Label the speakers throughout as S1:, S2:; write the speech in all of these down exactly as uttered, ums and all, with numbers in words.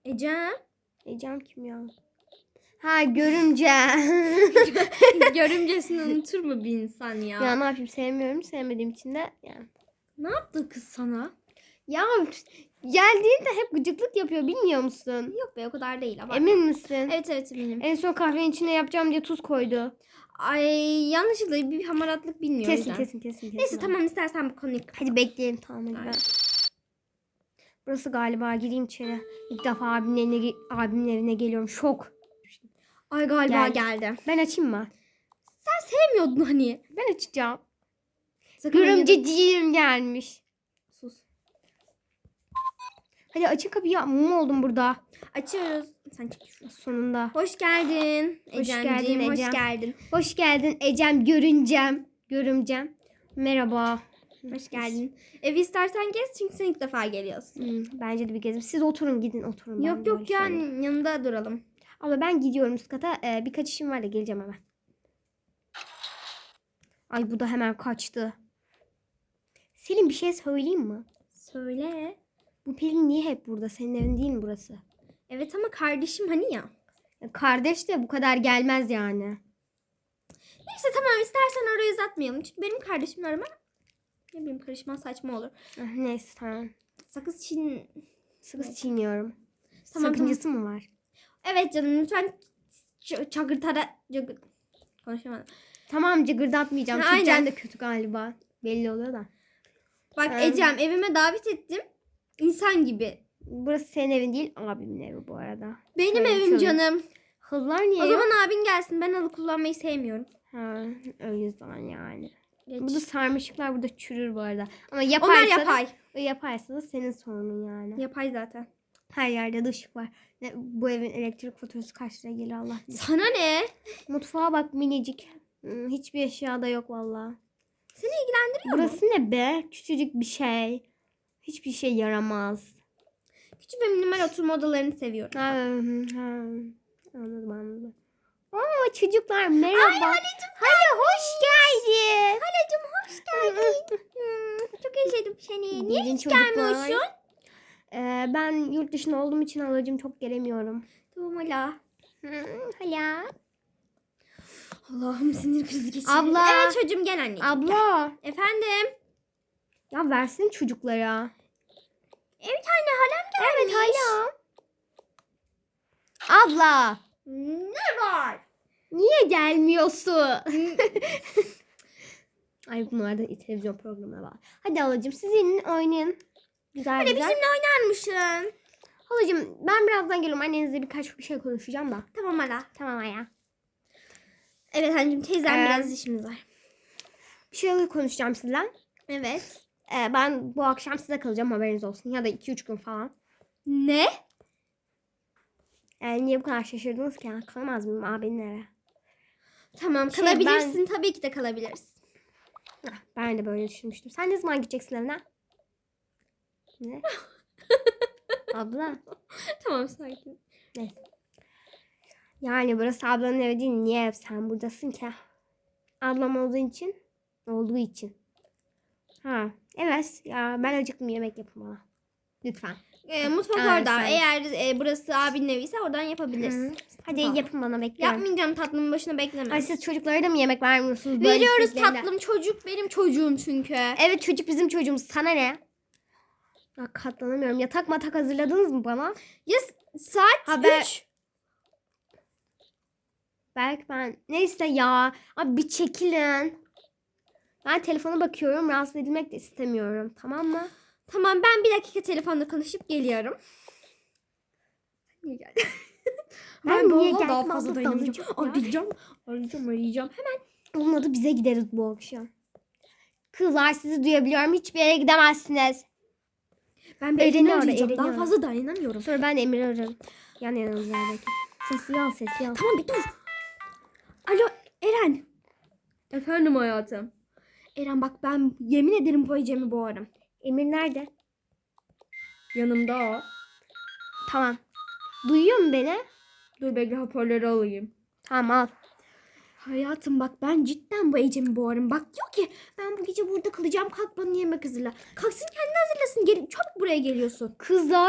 S1: Ecem.
S2: Ecem kim ya? Ha görümce.
S1: Görümcesini unutur mu bir insan ya?
S2: Ya ne yapayım, sevmiyorum. Sevmediğim için de yani.
S1: Ne yaptı kız sana?
S2: Ya geldiğinde hep gıcıklık yapıyor, bilmiyor musun?
S1: Yok be, o kadar değil. Abartma.
S2: Emin misin?
S1: Evet evet eminim.
S2: En son kahvenin içine yapacağım diye tuz koydu.
S1: Ay yanlışlıkla bir hamaratlık bilmiyor. o
S2: Kesin
S1: yüzden.
S2: kesin kesin kesin.
S1: Neyse tamam, istersen bu konuyu kapat.
S2: Hadi bekleyelim, tamam hadi.
S1: Aynen.
S2: Ben. Burası galiba, gireyim içeri. İlk defa abimin evine, abimin evine geliyorum. Şok.
S1: Ay galiba
S2: Gel.
S1: geldi.
S2: Ben açayım mı?
S1: Sen sevmiyordun hani.
S2: Ben açacağım.
S1: Sakın hayır-
S2: Görümceciğim gelmiş.
S1: Sus.
S2: Hadi açın kapıyı. Mum oldum burada.
S1: Açıyoruz. Sen çık şuradan.
S2: Sonunda.
S1: Hoş geldin.
S2: Hoş
S1: Ecemciğim,
S2: geldin
S1: hoş
S2: Ecem.
S1: geldin.
S2: Hoş geldin Ecem, görüncem. Görümcem. Merhaba.
S1: Hoş geldin. Evi istersen gez çünkü sen ilk defa geliyorsun.
S2: Hmm, bence de bir gezin. Siz oturun, gidin oturun. Ben
S1: Yok yok
S2: böyle
S1: yani
S2: şöyle-
S1: yanında duralım.
S2: Abla ben gidiyorum üst kata. Ee, birkaç işim var da geleceğim hemen. Ay bu da hemen kaçtı. Selin, bir şey söyleyeyim mi?
S1: Söyle.
S2: Bu Pelin niye hep burada? Senin evin değil mi burası?
S1: Evet ama kardeşim hani ya.
S2: Ya kardeş de bu kadar gelmez yani.
S1: Neyse tamam, istersen orayı uzatmayalım. Çünkü benim kardeşimle arama ne bileyim karışman saçma olur.
S2: Ah, neyse tamam.
S1: Sakız çiğn...
S2: Sakız
S1: Evet.
S2: çiğniyorum.
S1: Tamam,
S2: Sakıncası mı var?
S1: Evet canım, lütfen ç- çagırtara... Çagır... Konuşamadım.
S2: Tamam, cıgırdatmayacağım.
S1: Ha,
S2: Türkçen
S1: aynen.
S2: de kötü galiba. Belli oluyor da.
S1: Bak
S2: Ee,
S1: Ecem, evime davet ettim. İnsan gibi.
S2: Burası senin evin değil, abimin evi bu arada.
S1: Benim
S2: Şöyle,
S1: evim
S2: şöyle.
S1: canım.
S2: Hızlar niye
S1: O
S2: yok?
S1: zaman abin gelsin. Ben halı kullanmayı sevmiyorum.
S2: Ha, o yüzden yani.
S1: Geç.
S2: Burada sarmaşıklar burada çürür bu arada. Ama yaparsa
S1: Onlar yapay.
S2: O yaparsa da senin sorunun yani.
S1: Yapay zaten.
S2: Her yerde de ışık var. Ne, bu evin elektrik faturası kaç liraya gelir Allah bilir.
S1: Sana ne?
S2: Mutfağa bak, minicik. Hmm, hiçbir eşyada yok valla.
S1: Seni ilgilendiriyor mu?
S2: Burası ne be? Küçücük bir şey. Hiçbir şey yaramaz.
S1: Küçük ve minimal oturma odalarını seviyorum.
S2: Ha, hı, ha. Anladım anladım. Oo çocuklar merhaba.
S1: Ay Halicim,
S2: Hadi hoş geldin.
S1: Halicim hoş geldin. Hmm, çok özledim seni. Niye
S2: Gelin
S1: hiç
S2: çocuklar.
S1: gelmiyorsun?
S2: Ee, ben yurt dışında olduğum için halacığım çok gelemiyorum.
S1: Tamam hala.
S2: Hı, hala.
S1: Allah'ım sinir krizi geçirdim.
S2: Abla.
S1: Evet çocuğum, gel anneciğim.
S2: Abla.
S1: Efendim.
S2: Ya versin çocuklara.
S1: Evet anne, halam gelmiş.
S2: Evet hala. Abla.
S1: Ne var?
S2: Niye gelmiyorsun? Ay bunlar da televizyon programına var. Hadi halacığım siz inin oynayın. Güzel
S1: Hadi
S2: güzel.
S1: bizimle oynar mısın?
S2: Halacığım ben birazdan geliyorum. Annenizle birkaç bir şey konuşacağım da.
S1: Tamam hala.
S2: Tamam aya.
S1: Evet anneciğim, teyzem
S2: Ee,
S1: biraz işimiz var.
S2: Bir şey konuşacağım sizle.
S1: Evet.
S2: Ee, ben bu akşam size kalacağım, haberiniz olsun. Ya da iki üç gün falan.
S1: Ne?
S2: Yani niye bu kadar şaşırdınız ki? Kalamaz mıyım abinin eve?
S1: Tamam,
S2: Şey,
S1: kalabilirsin. Tabii ki de kalabiliriz.
S2: Heh, ben de böyle düşünmüştüm. Sen ne zaman gideceksin evine? Ne? Abla.
S1: Tamam, sakin.
S2: Neyse. Yani burası ablanın evi değil. Niye sen buradasın ki? Ablam olduğu için. Olduğu için. Ha. Evet. Ya ben acıktım, yemek yapın bana. Lütfen.
S1: Ee, mutfak
S2: Evet,
S1: orada.
S2: evet.
S1: Eğer e, burası abinin eviyse oradan yapabilirsin.
S2: Hı. Hadi
S1: Tamam.
S2: yapın bana, bekliyorum.
S1: Yapmayacağım, tatlımın başına bekleme.
S2: Ay siz çocuklara da mı yemek vermiyorsunuz? Böyle
S1: Veriyoruz
S2: isteklerine?
S1: tatlım, çocuk benim çocuğum çünkü.
S2: Evet çocuk bizim çocuğumuz. Sana ne? Ya katlanamıyorum. Yatak matak hazırladınız mı bana?
S1: Ya s- saat
S2: Haber-
S1: üç.
S2: Belki ben... Neyse ya. Abi bir çekilin. Ben telefona bakıyorum. Rahatsız edilmek de istemiyorum. Tamam mı?
S1: Tamam, ben bir dakika telefonda konuşup geliyorum. Niye geldin?
S2: Ben
S1: bu
S2: niye
S1: arada
S2: geldim?
S1: daha fazla
S2: Abla
S1: dayanamayacağım.
S2: dalacağım ya.
S1: Arayacağım. Arayacağım, arayacağım. Hemen.
S2: Olmadı bize gideriz bu akşam. Kızlar sizi duyabiliyorum. Hiçbir yere gidemezsiniz.
S1: Ben bir
S2: Eren'i
S1: Eren'i
S2: ara,
S1: arayacağım.
S2: Eren'i
S1: Daha
S2: ara.
S1: fazla dayanamıyorum.
S2: Sonra ben Emir'i ararım. Yan yanımızdaki. Sesi al sesi al.
S1: Tamam bir dur. Alo Eren. Efendim hayatım. Eren bak, ben yemin ederim bu Ecem'i boğarım.
S2: Emir nerede?
S1: Yanımda o.
S2: Tamam. Duyuyor mu beni?
S1: Dur bekle, hoparlörü alayım.
S2: Tamam al.
S1: Hayatım bak, ben cidden bu Ecem'i boğarım. Bak diyor ki ben bu gece burada kalacağım, kalk bana yemek hazırla. Kalksın kendini hazırlasın, gel, çabuk buraya geliyorsun.
S2: Kızlar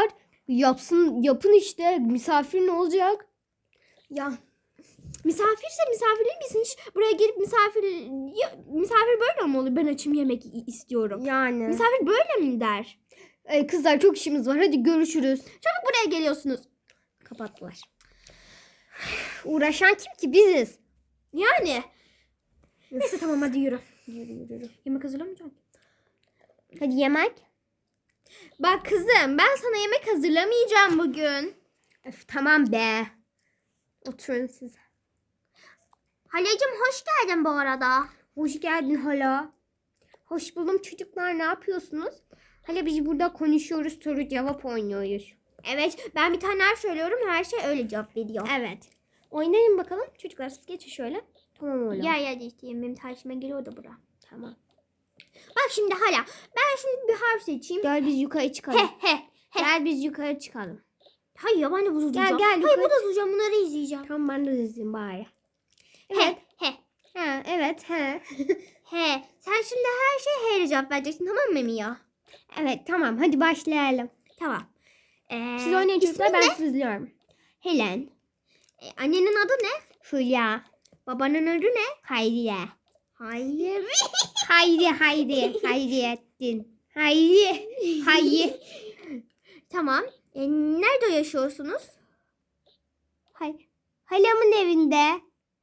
S2: Yapsın, yapın işte. Misafir ne olacak?
S1: Ya misafirse misafirliği bilsin. Hiç buraya gelip misafir ya, misafir böyle mi olur? Ben açım yemek i- istiyorum.
S2: Yani.
S1: Misafir böyle mi der?
S2: Ay kızlar çok işimiz var. Hadi görüşürüz.
S1: Çabuk buraya geliyorsunuz.
S2: Kapattılar. Uğraşan kim ki? Biziz.
S1: Yani. Neyse tamam hadi yürü.
S2: Yürü yürü yürü.
S1: Yemek hazırlamayacağım.
S2: Hadi yemek.
S1: Bak kızım ben sana yemek hazırlamayacağım bugün.
S2: Öf, tamam be. Oturun siz.
S1: Halacığım hoş geldin bu arada.
S2: Hoş geldin hala. Hoş buldum çocuklar. Ne yapıyorsunuz? Hala biz burada konuşuyoruz. Soru cevap oynuyoruz.
S1: Evet ben bir tane harf söylüyorum her şey öyle cevap veriyor.
S2: Evet. Oynayın bakalım. Çocuklar siz geçin şöyle. Tamam öyle.
S1: Ya ya işte benim karşıma geliyor da bura.
S2: Tamam.
S1: Bak şimdi hala ben şimdi bir harf seçeyim.
S2: Gel biz yukarı çıkalım.
S1: He he he.
S2: Gel biz yukarı çıkalım.
S1: Hayır ya ben de bunu
S2: Gel,
S1: duracağım.
S2: gel,
S1: Hayır
S2: yukarı
S1: bu da duracağım bunları izleyeceğim.
S2: Tamam ben de izleyeyim bari.
S1: He he.
S2: Ha, evet he.
S1: He. Sen şimdi her şeye he ile cevap vereceksin tamam mı Mia?
S2: Evet tamam hadi başlayalım.
S1: Tamam. Ee,
S2: Siz oynayın çocuklar
S1: ismin
S2: ben
S1: ne?
S2: sizi izliyorum. Helen.
S1: Ee, annenin adı ne?
S2: Hülya.
S1: Babanın adı ne?
S2: Hayriye.
S1: Hayır.
S2: Hayri Hayri. Hayriyeddin. Hayri. Hayri.
S1: Tamam. Ee, nerede yaşıyorsunuz?
S2: Hay. Halamın evinde.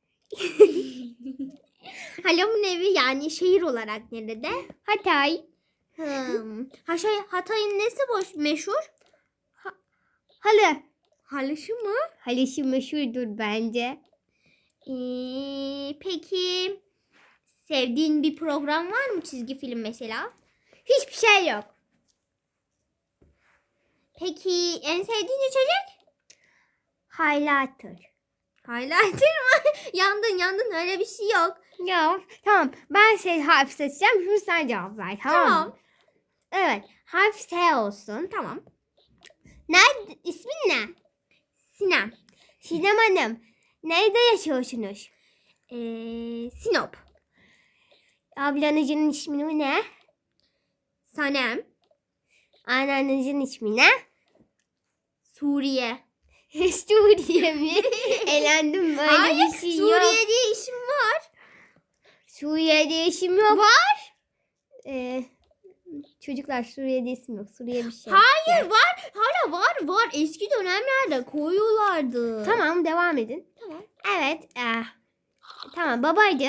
S1: Halamın evi yani şehir olarak nerede?
S2: Hatay.
S1: Hmm. Ha şey, Hatay'ın nesi boş meşhur?
S2: Halı.
S1: Halışı mı?
S2: Halası meşhurdur bence.
S1: Ee, peki sevdiğin bir program var mı çizgi film mesela?
S2: Hiçbir şey yok.
S1: Peki en sevdiğin içecek?
S2: Highlighter.
S1: Highlighter mı? Yandın yandın öyle bir şey yok.
S2: Ya tamam ben şey harf seçeceğim. Şimdi sen cevap ver tamam mı?
S1: Tamam.
S2: Evet harf S olsun.
S1: Tamam.
S2: Nerede? İsmin ne?
S1: Sinem.
S2: Sinem Hanım. Nerede yaşıyorsunuz?
S1: Ee, Sinop.
S2: Ablanızın ismi ne?
S1: Sanem.
S2: Anneannenizin ismi ne?
S1: Suriye.
S2: Suriye mi? Elendim böyle
S1: Hayır
S2: bir şey
S1: Suriye
S2: yok.
S1: diye işim var.
S2: Suriye'de isim yok.
S1: Var.
S2: Ee, çocuklar Suriye'de isim yok. Suriye bir şey.
S1: Hayır var. Hala var var. Eski dönemlerde koyuyorlardı.
S2: Tamam devam edin.
S1: Tamam.
S2: Evet. eh, tamam babaydı.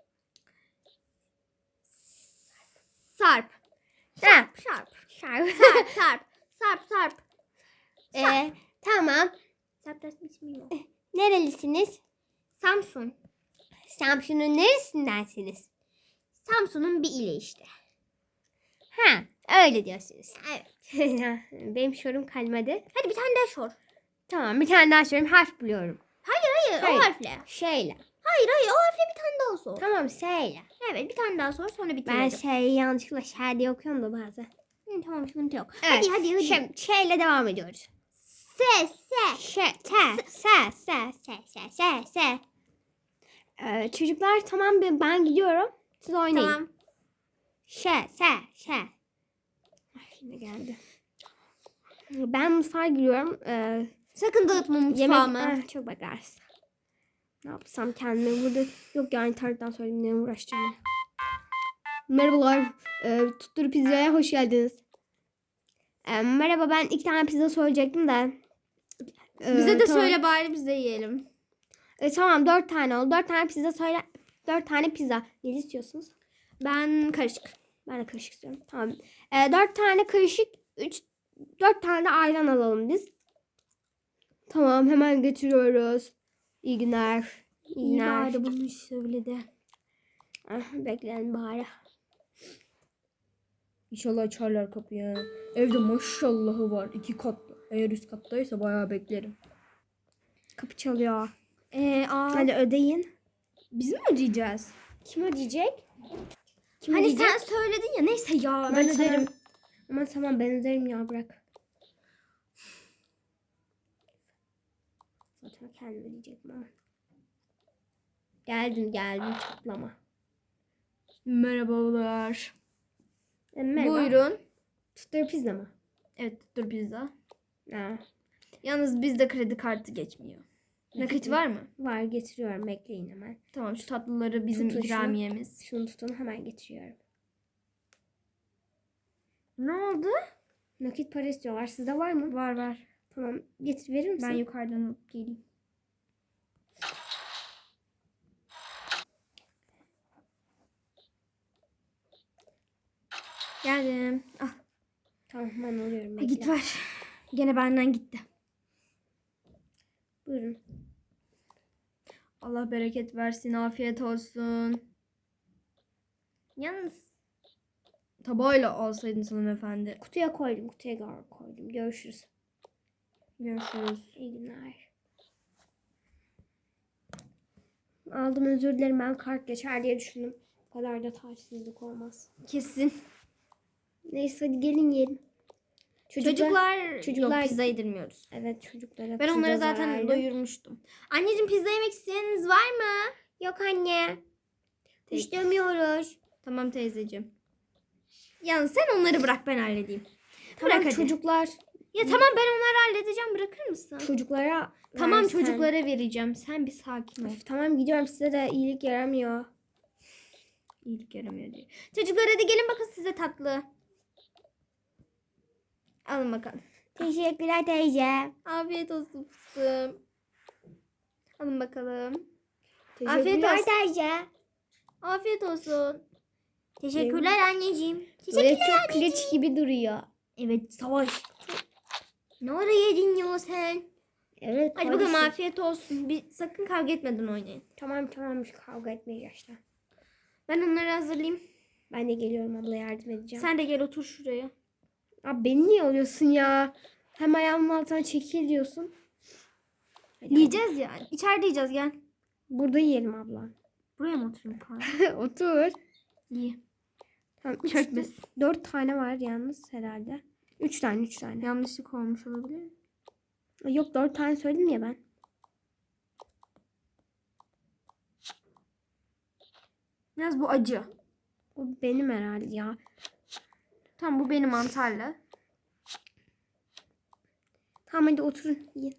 S1: Sarp.
S2: Ha.
S1: Sarp.
S2: Şarkı.
S1: Sarp. Sarp. Sarp. Sarp.
S2: Ee, tamam.
S1: Sarp da ismi yok.
S2: Nerelisiniz?
S1: Samsun.
S2: Samsun'un neresindensiniz?
S1: Samsun'un bir ili işte.
S2: Ha, öyle diyorsunuz.
S1: Evet.
S2: Benim sorum kalmadı.
S1: Hadi bir tane daha sor.
S2: Tamam, bir tane daha sorayım. Harf buluyorum.
S1: Hayır
S2: Hayır.
S1: o harfle.
S2: Şeyle.
S1: Hayır hayır o harfle bir tane daha sor.
S2: Tamam, şeyle.
S1: Evet bir tane daha sor sonra bitirelim.
S2: Ben şeyi yanlışlıkla şey diye okuyorum da bazen.
S1: Hı, tamam sıkıntı yok.
S2: Evet.
S1: Hadi hadi hadi.
S2: Şimdi şeyle devam ediyoruz.
S1: Se se.
S2: Şey, se, se, se, se, se, se, se. Ee, çocuklar tamam ben ben gidiyorum. Siz oynayın.
S1: Tamam.
S2: Şe, se, şe. Ay, şimdi geldi. Ben mutfağa giriyorum. Ee,
S1: Sakın dağıtma mutfağımı.
S2: yemek ah, çok bakarsın. Ne yapsam kendime burada yok yani internetten söyleyeyim ne uğraşacağım. Merhabalar. Ee, Tuttur Pizza'ya hoş geldiniz. Ee, merhaba ben iki tane pizza söyleyecektim de. Ee,
S1: Bize de
S2: tamam.
S1: söyle bari biz de yiyelim.
S2: Ee, tamam dört tane oldu. Dört tane pizza söyle. Dört tane pizza. Ne istiyorsunuz?
S1: Ben karışık.
S2: Ben de karışık istiyorum. Tamam. Ee, dört tane karışık. Üç, dört tane de ayran alalım biz. Tamam hemen getiriyoruz. İyi günler. İyi
S1: İyi
S2: günler.
S1: bari bunu söyledi.
S2: Ah, bekleyin bari.
S3: İnşallah açarlar kapıyı. Evde maşallahı var. iki katlı. Eğer üst kattaysa bayağı beklerim.
S2: Kapı çalıyor.
S1: Ee, aa,
S2: Hadi ödeyin.
S1: biz mi ödeyeceğiz?
S2: Kim ödeyecek? Kim
S1: Hani
S2: ödeyecek?
S1: sen söyledin ya neyse ya ben
S2: Aman
S1: öderim.
S2: tamam. Aman tamam ben öderim ya bırak. Zaten kendim ödeyecektim ama. Geldin geldin çatlama.
S3: Merhabalar.
S2: E, merhaba.
S1: Buyurun.
S2: Tuttur pizza mı?
S3: Evet dur pizza.
S2: Ha,
S1: Yalnız bizde kredi kartı geçmiyor. Nakit var mı?
S2: var, getiriyorum, bekleyin hemen.
S1: Tamam, şu tatlıları bizim
S2: Tutun şunu.
S1: ikramiyemiz.
S2: Şunu tutun, hemen getiriyorum.
S1: Ne oldu?
S2: Nakit para istiyorlar. Sizde var mı?
S1: Var var.
S2: Tamam, getir, verir misin?
S1: Ben yukarıdan alıp geleyim. Geldim. Ah,
S2: Tamam, ben alıyorum.
S1: ha,
S2: Bekle.
S1: git ver. Gene benden gitti.
S2: Buyurun.
S1: Allah bereket versin. Afiyet olsun. Yalnız tabağıyla alsaydınız hanımefendi.
S2: Kutuya koydum. Kutuya koydum. Görüşürüz.
S1: Görüşürüz.
S2: İyi günler. Aldım, özür dilerim. Ben kart geçer diye düşündüm. Bu kadar da taçsızlık olmaz.
S1: Kesin.
S2: Neyse, hadi gelin yiyelim.
S1: Çocuklar,
S2: çocuklar-
S1: yok, pizza yedirmiyoruz.
S2: Evet, çocuklara
S1: Ben
S2: pizza
S1: onları zaten
S2: zararlı.
S1: doyurmuştum. Anneciğim, pizza yemek isteyeniniz var mı?
S2: Yok anne.
S1: Peki.
S2: İstemiyoruz.
S1: Tamam teyzeciğim. Yalnız sen onları bırak, ben halledeyim.
S2: Tamam
S1: Bırak hadi.
S2: çocuklar.
S1: Ya tamam, ben onları halledeceğim, bırakır mısın?
S2: Çocuklara
S1: Tamam,
S2: versen.
S1: çocuklara vereceğim. Sen bir sakin ol.
S2: Öf, tamam gidiyorum, size de iyilik yaramıyor.
S1: İyilik yaramıyor diye. Çocuklar hadi gelin, bakın size tatlı. Alın bakalım.
S2: Teşekkürler teyze.
S1: Afiyet olsun fıstığım. Alın bakalım.
S2: Teşekkürler
S1: olsun.
S2: teyze.
S1: Afiyet olsun. Teşekkürler anneciğim.
S2: Böyle
S1: Teşekkürler.
S2: çok piliç gibi duruyor.
S1: Evet, savaş. Ne ara yedin ya sen?
S2: Evet.
S1: Hadi bakalım,
S2: kardeşim.
S1: afiyet olsun. Bir, sakın kavga etmeden oynayın.
S2: Tamam tamam, kavga etmeyiz işte.
S1: Ben onları hazırlayayım.
S2: Ben de geliyorum abla, yardım edeceğim.
S1: Sen de gel otur şuraya.
S2: Abi beni niye alıyorsun ya? Hem ayağımın altına çekil diyorsun. Hadi,
S1: Yiyeceğiz ya. İçeride yiyeceğiz, gel.
S2: hadi. Burada yiyelim abla.
S1: Buraya mı oturayım falan?
S2: Otur.
S1: İyi.
S2: Tamam, üç,
S1: Çökmesin.
S2: dört tane var yalnız herhalde. Üç tane, üç tane.
S1: Yanlışlık olmuş olabilir.
S2: Yok, dört tane söyledim ya ben.
S1: Biraz bu acı.
S2: O benim herhalde ya.
S1: Tamam, bu benim mantarlı.
S2: Tamam hadi oturun, yiyin.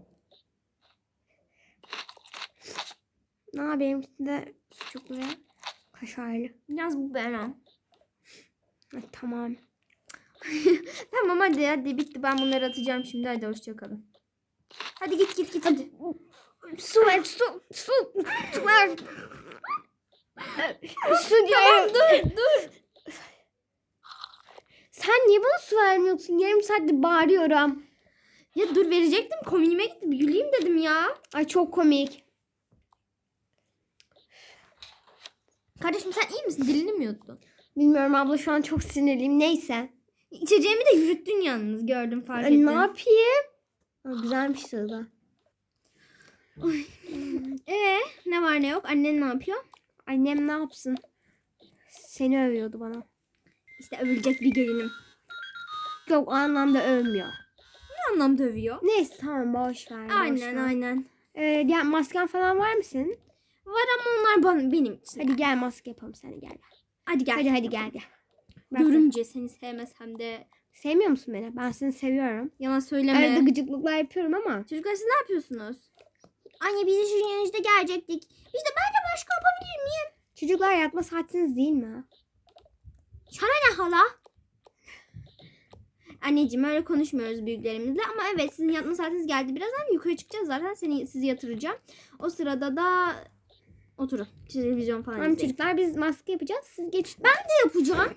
S2: Ne yapayım de sucuklu ve kaşarlı.
S1: Biraz bu benim.
S2: Ha, tamam.
S1: Tamam hadi hadi, bitti. Ben bunları atacağım şimdi. Hadi hoşçakalın. Hadi git git git hadi.
S2: Su ver, su, su, su ver. Su
S1: Tamam,
S2: diyorum.
S1: dur dur.
S2: Sen niye bana su vermiyorsun? Yarım saattir bağırıyorum.
S1: Ya dur, verecektim. Komiğime gitti. Bir güleyim dedim ya.
S2: Ay çok komik.
S1: Kardeşim, sen iyi misin? Dilini mi yuttun?
S2: Bilmiyorum abla, şu an çok sinirliyim. Neyse.
S1: İçeceğimi de yürüttün yalnız. Gördüm, fark
S2: Ay,
S1: ettim.
S2: ne yapayım? Aa, güzelmiş tadı.
S1: Ee, ne var ne yok? Annen ne yapıyor?
S2: Annem ne yapsın? Seni övüyordu bana.
S1: İşte övülecek bir gelinim.
S2: Yok, o anlamda övmüyor.
S1: Ne anlamda övüyor?
S2: Neyse tamam, boş ver. boş
S1: Aynen
S2: ver.
S1: aynen.
S2: Ee, ya masken falan var mı senin?
S1: Var ama onlar bana, benim için.
S2: Hadi gel, maske yapalım, sen gel.
S1: Hadi gel.
S2: Hadi hadi gel gel. Bak,
S1: Görünce seni sevmesem de
S2: sevmiyor musun beni? Ben seni seviyorum.
S1: yalan söyleme.
S2: Arada gıcıklıklar yapıyorum ama.
S1: Çocuklar, siz ne yapıyorsunuz? Anne, biz de şu yanınızda gelecektik. İşte ben de başka yapabilir miyim?
S2: Çocuklar, yatma saatiniz değil mi?
S1: Sana ne hala? Anneciğim, öyle konuşmuyoruz büyüklerimizle ama evet, sizin yatma saatiniz geldi. Birazdan yukarı çıkacağız zaten, seni sizi yatıracağım. O sırada da oturun. Televizyon falan
S2: Tamam
S1: izleyin.
S2: çocuklar, biz maske yapacağız. Siz geçin.
S1: Ben de yapacağım.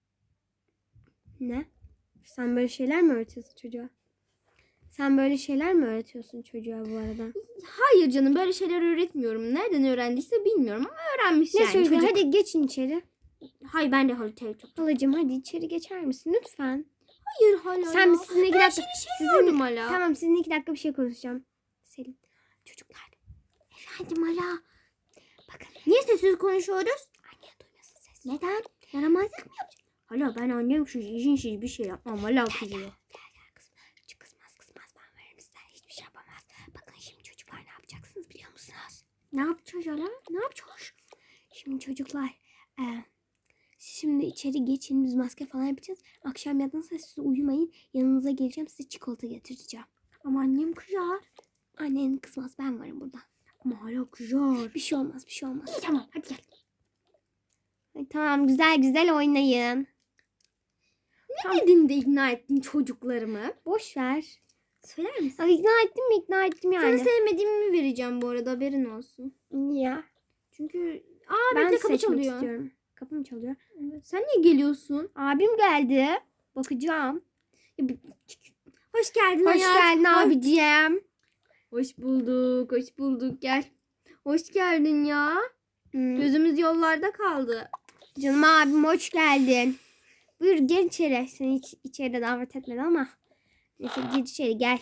S2: Ne? Sen böyle şeyler mi öğretiyorsun çocuğa? Sen böyle şeyler mi öğretiyorsun çocuğa bu arada?
S1: Hayır canım, böyle şeyler öğretmiyorum. Nereden öğrendiyse bilmiyorum ama öğrenmiş
S2: Ne
S1: yani
S2: çocuklar,
S1: çocuk.
S2: hadi geçin içeri.
S1: Hayır, ben de halter çok.
S2: Halacığım hadi içeri geçer misin lütfen?
S1: Hayır hala.
S2: Sen
S1: ya.
S2: bir sizinle iki
S1: Ben
S2: dakika.
S1: seni
S2: Sizin,
S1: seviyordum hala.
S2: tamam sizinle iki dakika bir şey konuşacağım. Selin. Çocuklar.
S1: Efendim hala.
S2: Bakın.
S1: Niye sessiz konuşuyoruz?
S2: Anne duymasın ses.
S1: Neden? Yaramazlık mı yapacak? Hala ben annem şu işin şey bir şey yapmam. Hala kızıyor.
S2: Gel gel kızım. Şu kızmaz kızmaz, ben veririm size. Hiçbir şey yapamaz. Bakın şimdi çocuklar, ne yapacaksınız biliyor musunuz?
S1: Ne yapacağız hala? Ne yapacağız?
S2: Şimdi çocuklar. E, siz şimdi içeri geçin. Biz maske falan yapacağız. Akşam yattığınızda siz uyumayın. Yanınıza geleceğim. Size çikolata getireceğim.
S1: Ama annem kızar.
S2: Annen kızmaz. Ben varım burada.
S1: Ama hala kızar.
S2: Bir şey olmaz. Bir şey olmaz.
S1: İyi tamam hadi gel.
S2: Ay, tamam güzel güzel oynayın.
S1: Ne dedin de ikna ettin çocuklarımı?
S2: Boş ver.
S1: Söyler misin?
S2: Ay, ikna ettim mi? İkna ettim yani.
S1: Sana sevmediğimi vereceğim bu arada haberin olsun.
S2: Niye?
S1: Çünkü aa
S2: Ben
S1: bekle kapı
S2: seçmek
S1: çalıyor.
S2: istiyorum. Kapı mı çalıyor?
S1: Evet. Sen niye geliyorsun?
S2: Abim geldi. Bakacağım.
S1: Ya bir- Hoş geldin
S2: Hoş
S1: hayat.
S2: geldin
S1: Hoş-
S2: abicim.
S1: Hoş bulduk. Hoş bulduk. Gel. Hoş geldin ya.
S2: Hmm.
S1: Gözümüz yollarda kaldı.
S2: Canım abim hoş geldin. Buyur gel içeri. Seni hiç içeride davet etmedi ama. Neyse gir içeri gel.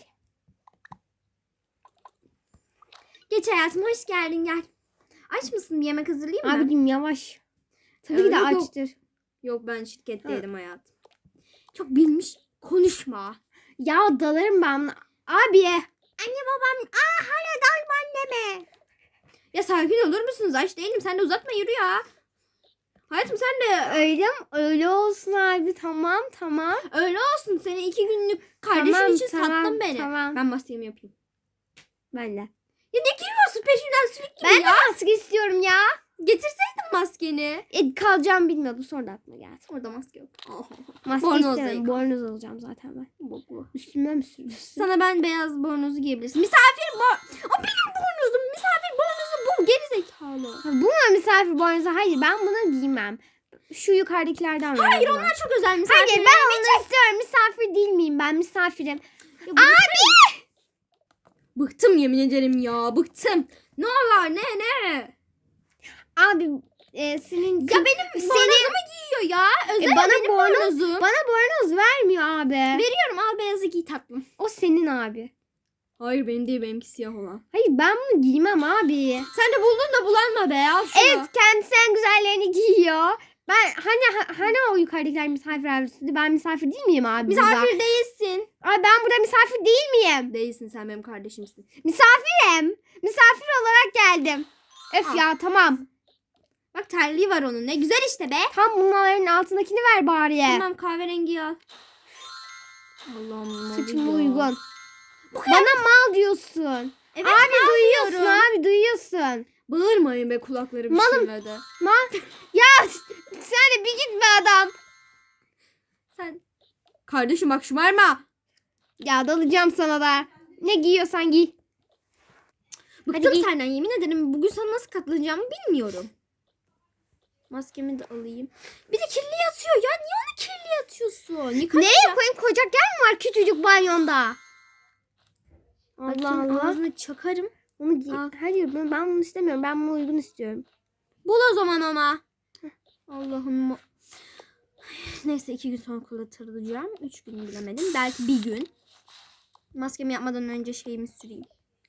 S1: Geç hayatım hoş geldin gel. Aç mısın bir yemek hazırlayayım mı?
S2: Abicim yavaş. Tabii ki de
S1: Öyle yok.
S2: açtır.
S1: Yok ben şirketteydim hayatım. Çok bilmiş konuşma.
S2: Ya dalarım ben buna. Abi.
S1: Anne babam aa hala dalma anneme. Ya sakin olur musunuz? Aç değilim. Sen de uzatma yürü ya. Hayatım sen de
S2: Öyle mi? Öyle olsun abi. Tamam tamam.
S1: öyle olsun. Seni iki günlük kardeşin
S2: Tamam,
S1: için
S2: tamam,
S1: sattın beni.
S2: tamam.
S1: Ben maskemi yapayım.
S2: Ben de.
S1: Ya ne giriyorsun peşinden sürekli
S2: Ben
S1: ya?
S2: de maske istiyorum ya.
S1: Getirseydin maskeni.
S2: E, kalacağım bilmiyordum. Sonra da aklıma geldi.
S1: Orada maske yok. Oh.
S2: Maske
S1: Bornoz
S2: istemiyorum.
S1: da
S2: Bornoz alacağım zaten ben.
S1: Boklu.
S2: Üstüme mi sürüyorsun?
S1: Sana ben beyaz bornozu giyebilirsin. Misafir bor... O benim bornozum. Misafir bornozu bu. Geri zekalı.
S2: Ha, bu mu misafir bornozu? Hayır ben bunu giymem. Şu yukarıdakilerden ver
S1: Hayır
S2: bana.
S1: onlar çok özel misafir.
S2: Hayır ben onu istiyorum. Misafir değil miyim ben? Misafirim.
S1: Abi! Bıktım yemin ederim ya. Bıktım. Ne var ne ne?
S2: Abi e, senin...
S1: Ya benim
S2: Senin-
S1: bornozumu giyiyor ya. Özel
S2: E, bana
S1: benim
S2: bornoz-
S1: bornozum.
S2: Bana bornoz vermiyor abi.
S1: Veriyorum al beyazı giy tatlım.
S2: O senin abi.
S1: Hayır benim değil benimki siyah olan.
S2: Hayır ben bunu giymem abi.
S1: Sen de buldun da bulanma be al şunu.
S2: Evet kendisi en güzellerini giyiyor. Ben hani ha- hani o yukarıdakiler misafir abisiydi. Ben misafir değil miyim abi? burada?
S1: Misafir değilsin.
S2: Ay ben burada misafir değil miyim?
S1: Değilsin sen benim kardeşimsin.
S2: Misafirim. Misafir olarak geldim. Öf
S1: Al.
S2: ya tamam.
S1: Bak terliği var onun ne güzel işte be.
S2: Tam bunların altındakini ver bari.
S1: Tamam kahverengi al. Allah'ım.
S2: Saçıma
S1: oluyor.
S2: uygun. Bana mal diyorsun.
S1: Evet
S2: abi
S1: mal
S2: duyuyorsun
S1: diyorum.
S2: abi duyuyorsun.
S1: Bağırmayın be kulaklarım
S2: Malım.
S1: şırladı.
S2: Mal. Ya sen de bir git be adam.
S1: Sen. Kardeşim bak şımarma.
S2: Ya dalacağım sana da. Ne giyiyorsan giy.
S1: Bıktım
S2: giy.
S1: senden yemin ederim. Bugün sana nasıl katlanacağımı bilmiyorum. Maskemi de alayım. Bir de kirli yatıyor ya. Niye onu kirli yatıyorsun? Yıka.
S2: Neye koyayım koyacak yer mi var küçücük banyonda? Allah
S1: Bakayım,
S2: Allah.
S1: ağzına çakarım.
S2: Onu giy.
S1: Al.
S2: Hayır ben, ben bunu istemiyorum. Ben bunu uygun istiyorum.
S1: Bul o zaman ama. Allah'ım. Neyse iki gün sonra kullanacağım. Üç gün bilemedim. Belki bir gün. Maskemi yapmadan önce şeyimi süreyim.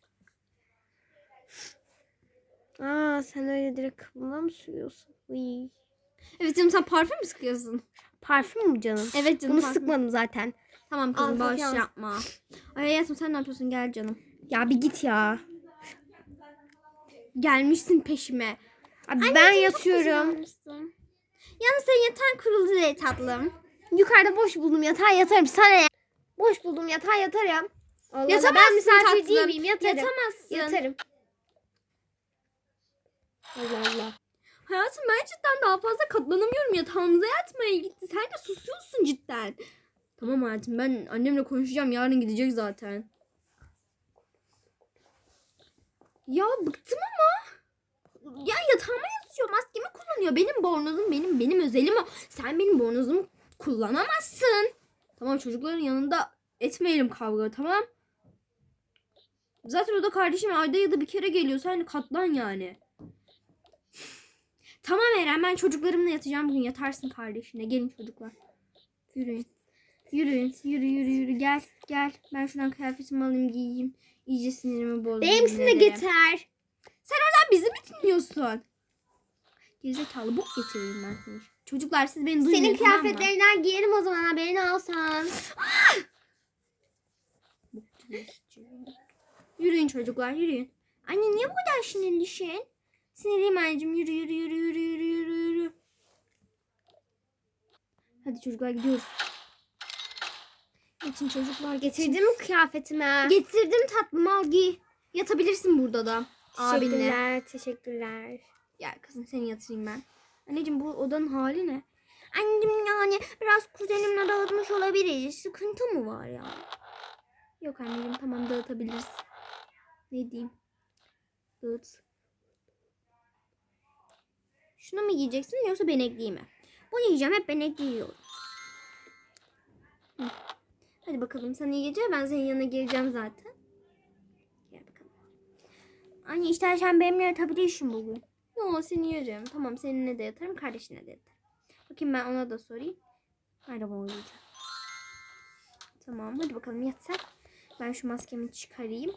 S2: Aa sen öyle direkt kıvılına mı sürüyorsun? Uy.
S1: Evet canım sen parfüm mü sıkıyorsun?
S2: Parfüm mü canım?
S1: Evet canım
S2: Bunu
S1: parfüm.
S2: sıkmadım zaten.
S1: Tamam kızım
S2: Al,
S1: boş
S2: al.
S1: yapma. Ay hayatım sen ne yapıyorsun gel canım.
S2: Ya bir git ya.
S1: Gelmişsin peşime.
S2: Abi ben
S1: Anneciğim, çok
S2: yatıyorum.
S1: güzelmişsin. Yalnız senin yatağın kuruldu değil tatlım.
S2: Yukarıda boş buldum yatağa yatarım. Sana ne? Boş buldum yatağa yatarım. Allah Allah,
S1: Yatamazsın
S2: ben misafir
S1: tatlım.
S2: değil miyim? Yatarım.
S1: Yatamazsın.
S2: Yatarım. Allah Allah.
S1: Hayatım ben cidden daha fazla katlanamıyorum. Yatağımıza yatmaya gitti. Sen de susuyorsun cidden. Tamam hayatım ben annemle konuşacağım. Yarın gidecek zaten. Ya bıktım ama. Ya yatağıma yatıyor. Maskemi kullanıyor. Benim bornozum benim. Benim özelim o. Sen benim bornozumu kullanamazsın. Tamam çocukların yanında etmeyelim kavga tamam. Zaten o da kardeşim ayda ya da bir kere geliyor. Sen katlan yani. Tamam Eren ben çocuklarımla yatacağım bugün. Yatarsın kardeşine. Gelin çocuklar. Yürüyün. Yürüyün. Yürü yürü yürü. Gel. Gel. Ben şuradan kıyafetimi alayım giyeyim. İyice sinirimi bozdum.
S2: Benimkisini de
S1: yemin ederim.
S2: getir.
S1: Sen bizi mi dinliyorsun? Gerizekalı bok getireyim ben seni. Çocuklar siz beni duymuyorsunuz.
S2: Senin
S1: tamam mı?
S2: kıyafetlerinden giyerim o zaman haberini alsan.
S1: Yürüyün çocuklar yürüyün. Anne niye bu kadar sinirlisin? Sinirliyim anneciğim yürü yürü yürü yürü yürü yürü yürü. Hadi çocuklar gidiyoruz. Geçin çocuklar geçin.
S2: Getirdin mi kıyafetimi?
S1: Getirdim tatlım, al giy. Yatabilirsin burada da. Abinle.
S2: Teşekkürler, teşekkürler.
S1: Gel kızım seni yatırayım ben. Anneciğim bu odanın hali ne? Anneciğim yani biraz kuzenimle dağıtmış olabilir. Sıkıntı mı var ya? Yok anneciğim tamam dağıtabiliriz. Ne diyeyim? Dağıt. Şunu mu giyeceksin yoksa benekliği mi? Bunu yiyeceğim, hep benekli yiyorum. Hı. Hadi bakalım sana iyi geceler. Ben senin yanına geleceğim zaten. Gel bakalım. Anne istersen benimle yatabilirsin bugün. Yo seni yerim. Tamam seninle de yatarım, kardeşine de yatarım. Bakayım ben ona da sorayım. Merhaba uyuyacağım. Tamam hadi bakalım yat sen. Ben şu maskemi çıkarayım.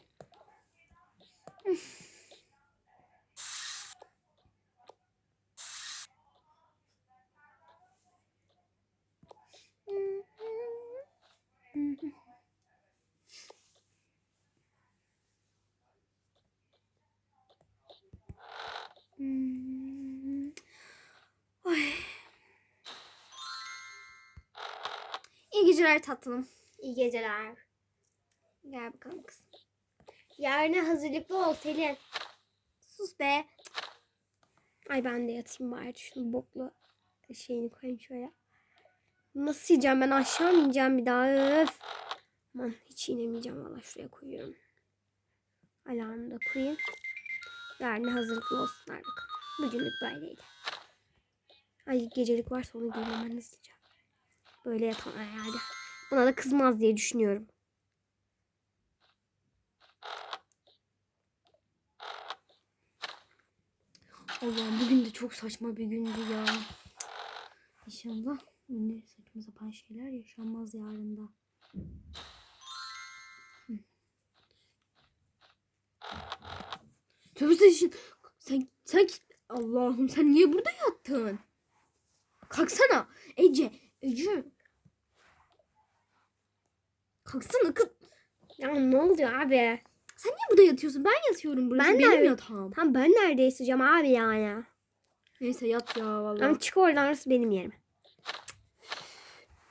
S1: Ay. İyi geceler tatlım.
S2: İyi geceler.
S1: Gel bakalım kızım.
S2: Yarına hazırlıklı ol Selin.
S1: Sus be.
S2: Ay ben de yatayım bari. Şunu boklu şeyini koyayım şöyle. Nasıl yiyeceğim ben? Aşağı mı ineceğim bir daha? Öf. Aman hiç inemeyeceğim valla. Şuraya koyuyorum. Alarmı da koyayım. Yarına hazırlıklı olsunlar bakalım. Bugünlük böyleydi. Ay gecelik varsa onu giymem ben hızlıca. Böyle yatamam herhalde. Buna da kızmaz diye düşünüyorum.
S1: Allah'ım bugün de çok saçma bir gündü ya. İnşallah yine saçma sapan şeyler yaşanmaz yarın da. Hı. Tövbe sen, sen, sen Allah'ım sen niye burada yattın? Kalksana Ece. Ece. Kalksana kız.
S2: Ya ne oluyor abi?
S1: Sen niye burada yatıyorsun? Ben yatıyorum burası.
S2: Ben de
S1: benim
S2: öyle.
S1: yatağım.
S2: Tam ben nerede yatacağım abi yani?
S1: Neyse yat ya vallahi.
S2: Ama çık oradan orası benim yerim.